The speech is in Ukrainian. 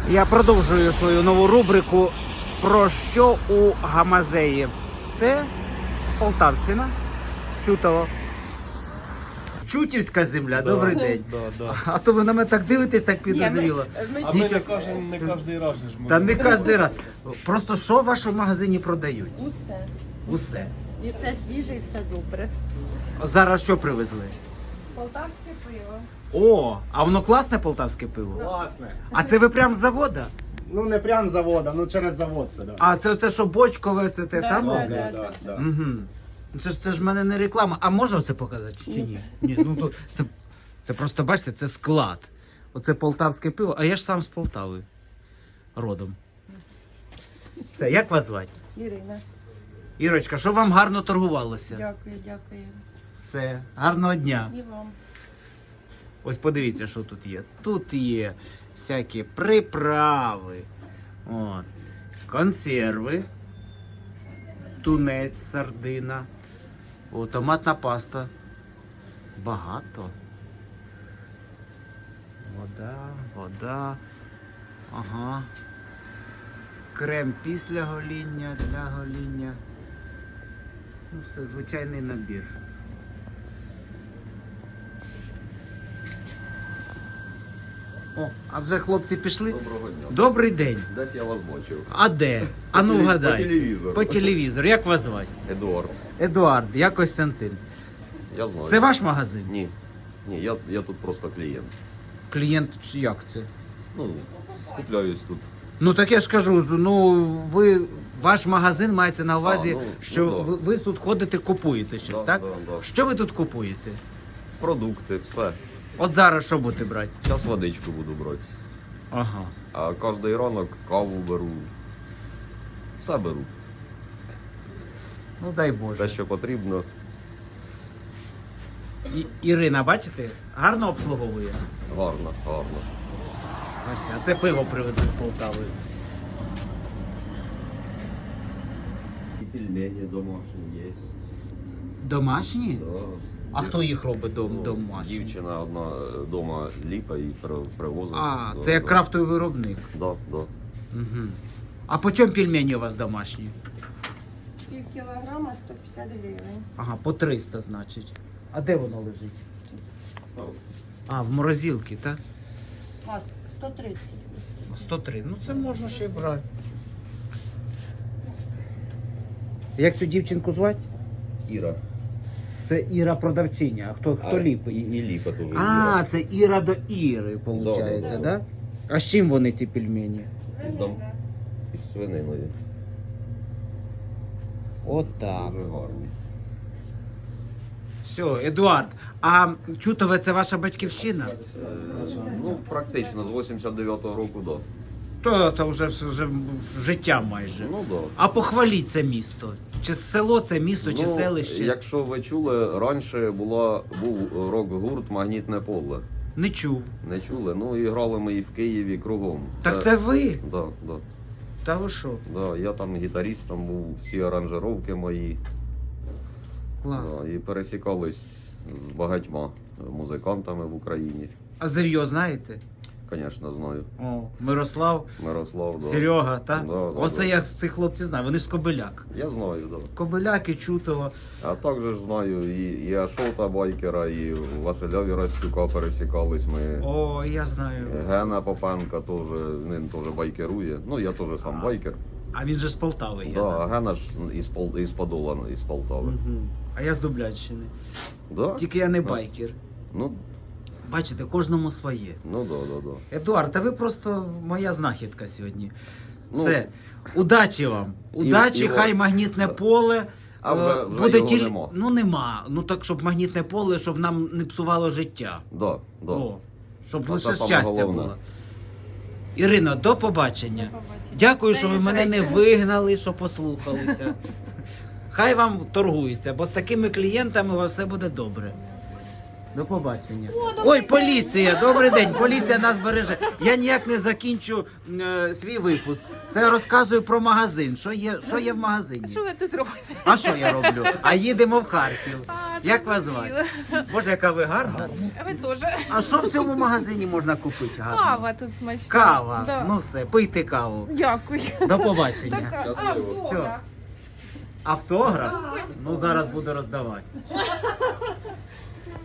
Я продовжую свою нову рубрику «Про що у Гамазеї». Це Полтавщина, Чутово. Чутівська земля, добрий день. А то ви на мене так дивитесь, так підозріло. А ми не кожен раз ж можемо. Та не кожен раз. Просто що в вашому магазині продають? Усе. Усе. І все свіже, і все добре. Зараз що привезли? Полтавське пиво. О, а воно класне полтавське пиво? Класне. А це ви прям з завода? Ну не прям з завода, ну через завод це, да. А це оце, що бочкове, це те там? да. Угу. Це ж в мене не реклама. А можна це показати чи ні? Ні, ну то це просто, бачите, це склад. Оце полтавське пиво, а я ж сам з Полтави. Родом. Все, як вас звати? Ірина. Ірочка, щоб вам гарно торгувалося. Дякую. Все, гарного дня. І вам. Ось подивіться, що тут є. Тут є всякі приправи, от, консерви, тунець, сардина, о, томатна паста. Багато. Вода. Ага. Крем після гоління, для гоління. Ну, все, звичайний набір. О, а вже хлопці пішли? Доброго дня. Добрий день. Десь я вас бачив. А де? А ну вгадай. По телевізору. По телевізору. Як вас звати? Едуард. Едуард, я Костянтин. Я знаю. Це ваш магазин? Ні. Ні, я тут просто клієнт. Клієнт чи як це? Ну, скупляюсь тут. Ну так я ж кажу, ну ваш магазин мається на увазі, А, ну, що ну, да. ви тут ходите, купуєте щось, Да, так? да. Що ви тут купуєте? Продукти, все. От зараз що будете брати? Зараз водичку буду брати. Ага. А кожен ранок каву беру. Все беру. Ну дай Боже. Те, що потрібно. Ірина, бачите, гарно обслуговує. Гарно. Бачите, а це пиво привезли з Полтави. І пельмені домашні є. Домашні? Да. А хто їх робить Ну, домашні? Дівчина одна вдома ліпа і привозить. А, Да, це як да. крафтовий виробник. Да. Угу. А по чому пельмені у вас домашні? Пів кілограма 150 гривень. Ага, по 300, значить. А де воно лежить? А, в морозилці, так? А, 130. 103. Ну це можна ще й брати. Як цю дівчинку звати? Іра. Це Іра продавчиня, а хто ліпить? І ліпа теж. А, це Іра до Іри, виходить, Да. да? А з чим вони ці пельмені? Із свининою. Отак. Дуже гарні. Все, Едуард, а Чутове це ваша батьківщина? Ну, практично, з 89-го року, да. То вже життя майже. Ну, да. А похваліть це місто. Чи село це місто, чи Ну, селище? Якщо ви чули, раніше був рок-гурт «Магнітне поле». Не чув. Не чули? Ну, і грали ми і в Києві кругом. Так це ви? Да. Та ви що? Да. Я там гітаріст, там був всі аранжировки мої. Клас. Да. І пересікались з багатьма музикантами в Україні. А Зев'йо знаєте? Звісно, знаю. О, Мирослав, Мирослав, да. Серега, так? Да, Оце да. я з цих хлопців знаю, вони ж з Кобиляк. Я знаю, да. Кобиляк і Чутово. А також знаю і Ашота Байкера, і Василя Вірастюка пересікались ми. О, я знаю. Гена Попенка теж, він теж байкерує. Ну, я теж сам байкер. А він же з Полтави є. Да, а Гена ж із Подола, із Полтави. Угу. А я з Дублянщини. Да? Тільки я не байкер. Ну, Бачите, кожному своє. да. Едуард, а ви просто моя знахідка сьогодні. Ну, Все. Удачі вам. Удачі, і хай магнітне поле. А вже буде його нема. Ну нема. Ну так, щоб магнітне поле, щоб нам не псувало життя. Да. О, щоб А лише це саме щастя головне. було. Ірино, до побачення. До побачення. Дякую, що ви мене не Заїжджайте. вигнали, що послухалися. Хай вам торгується, бо з такими клієнтами у вас все буде добре. До побачення. Ой, поліція! Добрий день! Поліція нас береже. Я ніяк не закінчу свій випуск. Це я розказую про магазин. Що є в магазині? Що ви тут робите? А що я роблю? А їдемо в Харків. А, Як вас звати? Боже, яка ви гарна. Ви теж. А що в цьому магазині можна купити гарно? Кава тут смачна. Кава. Да. Ну все, пийте каву. Дякую. До побачення. Така. Щасливо. А, добре. Автограф? Ну зараз буду роздавати.